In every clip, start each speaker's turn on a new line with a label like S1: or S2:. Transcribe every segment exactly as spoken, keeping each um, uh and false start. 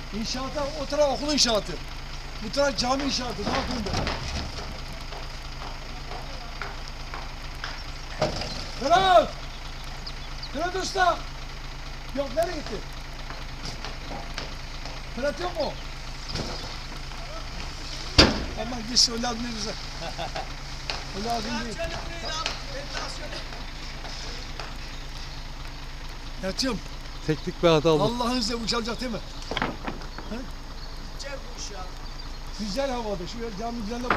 S1: İnşaata, o taraf okul inşaatı. Bu taraf cami inşaatı. Ne yapayım ben? Ferhat! Ferhat Usta! Yok, nereye gitti? Ferhat yok mu? Aman gitsin, o lazım değil bize. O lazım değil. Yatıyorum.
S2: Teknik bir hata oldu.
S1: Allah'ın izniyle uçalacak değil mi? He?
S3: Güzel bu iş ya.
S1: Güzel havada. Şu cami güzelliğe bak.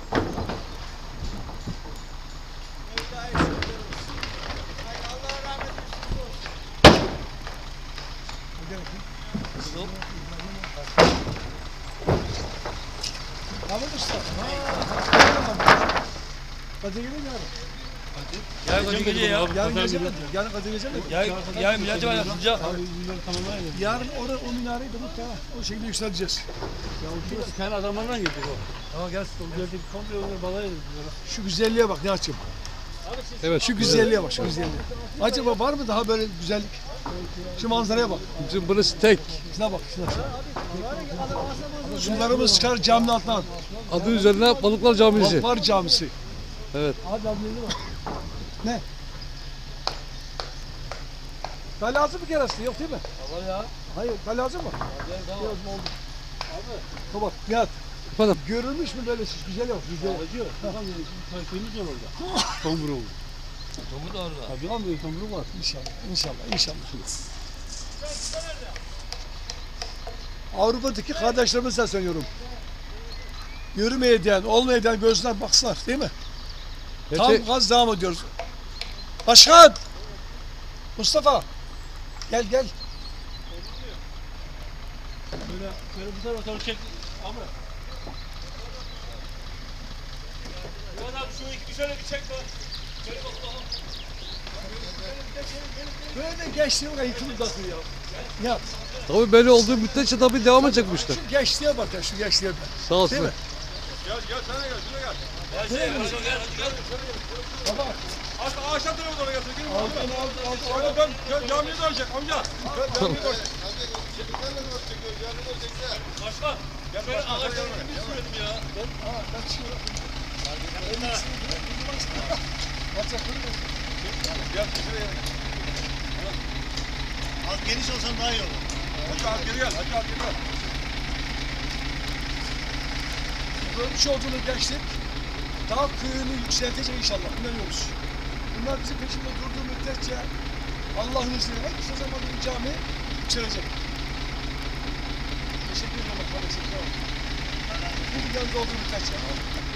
S3: Mevla'ya şükürler olsun. Ay Allah rahmet eylesin.
S1: Ne demek ki?
S2: Kızıl.
S1: Ahmet Usta. Haa. Kadir gelir mi yarın?
S4: Yarın kaç gece ya?
S1: Yarın gece mi? Yarın Kadir gece mi?
S4: Yarın, yarın millet var yapılacak.
S1: Yarın orada o minareyi de muhtemelen o şekilde yükselteceğiz.
S2: Ya o kendi adamlarından getirdi o. Ama gelsin o geldi komple onları balaya ediyor.
S1: Şu güzelliğe bak ne açayım.
S2: Evet.
S1: Şu güzelliğe bak, şu güzelliğe. Acaba var mı daha böyle güzellik? Şu manzaraya bak.
S2: Bizim burası tek.
S1: Şuna bak, şuna. Sularımız çıkar caminin altından.
S2: Adı üzerine Balıklar Camisi.
S1: Balıklar Camisi.
S2: Evet.
S1: Abi ablayla bak. Ne? Daha lazım mı kerası? Yok değil mi?
S4: Var ya.
S1: Hayır, daha lazım mı?
S4: Tamam.
S1: Lazım oldu. Abi. Tamam, Nihat.
S2: Efendim?
S1: Görülmüş mü böyle şiş? Güzel yok, güzel.
S2: Acıyor. Tamam yani kayıtlarımız var orada. Tombur oldu.
S4: Tomu da orada.
S2: Tabii abi tombur var.
S1: İnşallah, inşallah, inşallah. Avrupa'daki kardeşlerime sesleniyorum. Yürümeye diyen, olmaya diyen gözler baksınlar, değil mi? Tam
S2: Gerçi,
S1: gaz devam ediyoruz. Başkan! Mustafa! Gel gel.
S2: böyle, böyle bu tarafa doğru çek. Ama.
S4: Yuvan abi şu iki şöyle bir çek bak. Şöyle bak bakalım.
S1: Böyle gençliğe bak, yıkılıp dağıtıyor ya. Nihat,
S2: Tabii böyle olduğu müddetçe tabii devam edecek bu işler.
S1: şu gençliğe bak ya, şu gençliğe bak.
S2: Sağ olsun.
S1: Değil mi?
S5: Gel gel sen de gel şuraya gel.
S4: Gel şey, gel gel gel.
S1: Baba,
S5: Aşağı aşağı tarafa doğru gelsin. Gelin
S1: altın
S5: bakalım.
S1: altın altın.
S5: Öyle dön. Gel camiye dönecek amca. Gel camiye dönecek.
S4: Başkan. Ya ben ağaçlarını bilmiyorum ya.
S1: Aa, ben çıkıyorum. Atacak bunu mu?
S5: Gel şuraya gel.
S3: Az geniş olsan daha iyi olur.
S5: Hacı al geri gel. Hacı al geri gel.
S1: Görmüş olduğunuz gençlik daha köyünü yükseltecek inşallah. İnanıyoruz. Bunlar bizim peşinde durduğu müddetçe Allah'ın izniyle en kısa zamanda bu cami yükselecek. Teşekkür ederim kardeşim. Sağ olun. Bu yanında olduğu müddetçe.